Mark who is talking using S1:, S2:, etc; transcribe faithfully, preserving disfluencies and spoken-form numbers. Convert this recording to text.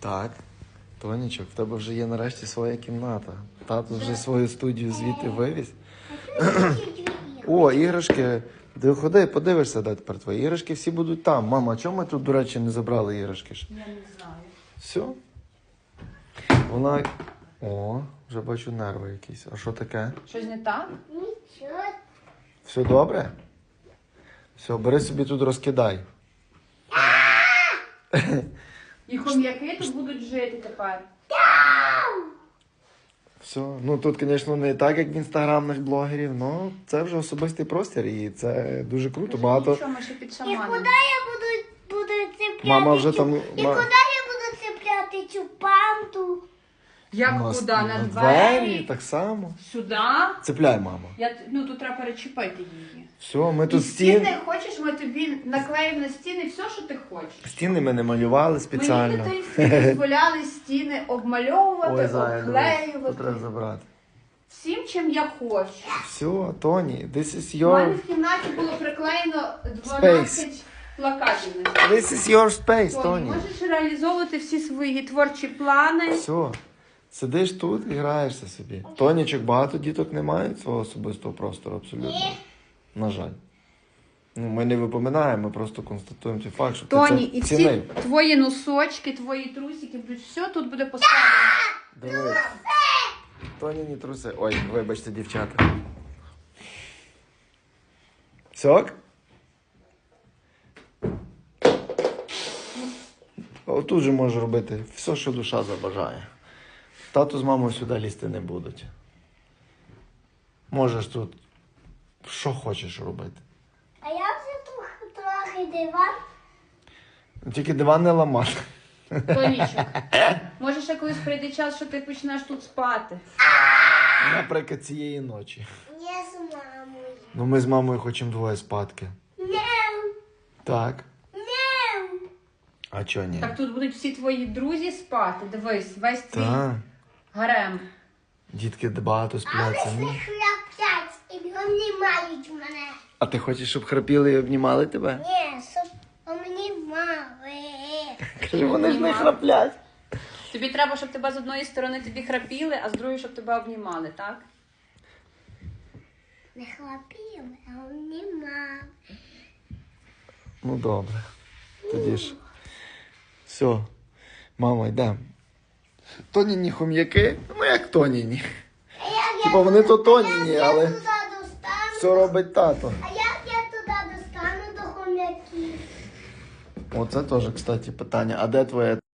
S1: Так. Тонічок, в тебе вже є нарешті своя кімната. Тато вже свою студію звідти вивіз. О, іграшки. Ти ходи, подивишся, де тепер твої іграшки всі будуть там. Мама, а чому ми тут, до речі, не забрали іграшки?
S2: Я не знаю.
S1: Все. Вона... О, вже бачу нерви якісь. А що таке?
S2: Щось не так?
S3: Нічого.
S1: Все добре? Все, бери собі тут розкидай.
S2: І хом'яки тут будуть жити тепер.
S1: Все. Ну тут, звісно, не так, як в інстаграмних блогерів, але це вже особистий простір і це дуже круто. Багато.
S2: Нічого, ми ще під
S3: І
S2: шаманом.
S3: куди я буду, буду цепляти?
S1: Мама вже
S3: цю-
S1: там-
S3: І
S1: ма-
S3: куди я буду цепляти цю панту?
S2: Як
S1: на-
S2: куди? На,
S1: на
S2: двері?
S1: так само.
S2: Сюди?
S1: Цепляй, мама.
S2: Я, ну, тут треба перечепити її.
S1: Все, ми
S2: І
S1: тут
S2: стіни,
S1: стін...
S2: хочеш, ми тобі наклеїмо на стіни все, що ти хочеш.
S1: стіни ми не малювали спеціально.
S2: Мені дитинстві дозволяли стіни обмальовувати,
S1: Ой, зая, дивись, тут
S2: обклеювати.
S1: треба забрати.
S2: Всім, чим я хочу.
S1: Все, Тоні, this is
S2: У мене
S1: your...
S2: в кімнаті було приклеєно дванадцять плакатів. на стіні.
S1: This is your space,
S2: Тоні,
S1: Тоні.
S2: можеш реалізовувати всі свої творчі плани.
S1: Все. Сидиш тут і граєшся собі. Тонічок, багато діток не мають свого особистого простору, абсолютно. На жаль. Ну, ми не випоминаємо, ми просто констатуємо цей факт, що
S2: Тоні,
S1: ти
S2: і
S1: це
S2: всі
S1: цінив.
S2: твої носочки, твої трусики, будуть все тут буде поставлено.
S1: Дивись. Тоні, не труси. Ой, вибачте, дівчата. Сок? Отут же можеш робити все, що душа забажає. Тато з мамою сюди лізти не будуть. Можеш тут що хочеш робити.
S3: А я вже трохи, трохи диван.
S1: Тільки диван не ламати.
S2: Тонічок, може ще колись прийде час, що ти почнеш тут спати.
S1: Наприклад, цієї ночі.
S3: Не з мамою.
S1: Ну ми з мамою хочемо двоє спадки.
S3: Не,
S1: Так.
S3: не.
S1: А чого ні?
S2: Так тут будуть всі твої друзі спати. Дивись, весь твій
S1: Так.
S2: гарем.
S1: Дітки багато
S3: Але
S1: спляться.
S3: ж
S1: Ну.
S3: не хляплять і обнімають мене.
S1: А ти хочеш, щоб храпіли і обнімали тебе?
S3: Ні, щоб обнімали.
S1: Каже, вони ж не храплять.
S2: Тобі треба, щоб тебе з одної сторони тобі храпіли, а з другої, щоб тебе обнімали, так?
S3: Не хлопіли, а обнімали.
S1: Ну добре. Тоді ж. Все. Мама, йдемо. Тоніні хом'яки? Ну як тоніні?
S3: А як
S1: Типа
S3: я
S1: вони то
S3: туди-
S1: тоніні,
S3: а як
S1: але
S3: я туди достану?
S1: все робить тато.
S3: А як я туди достану до хом'яків?
S1: Оце теж, кстати, питання. А де твоя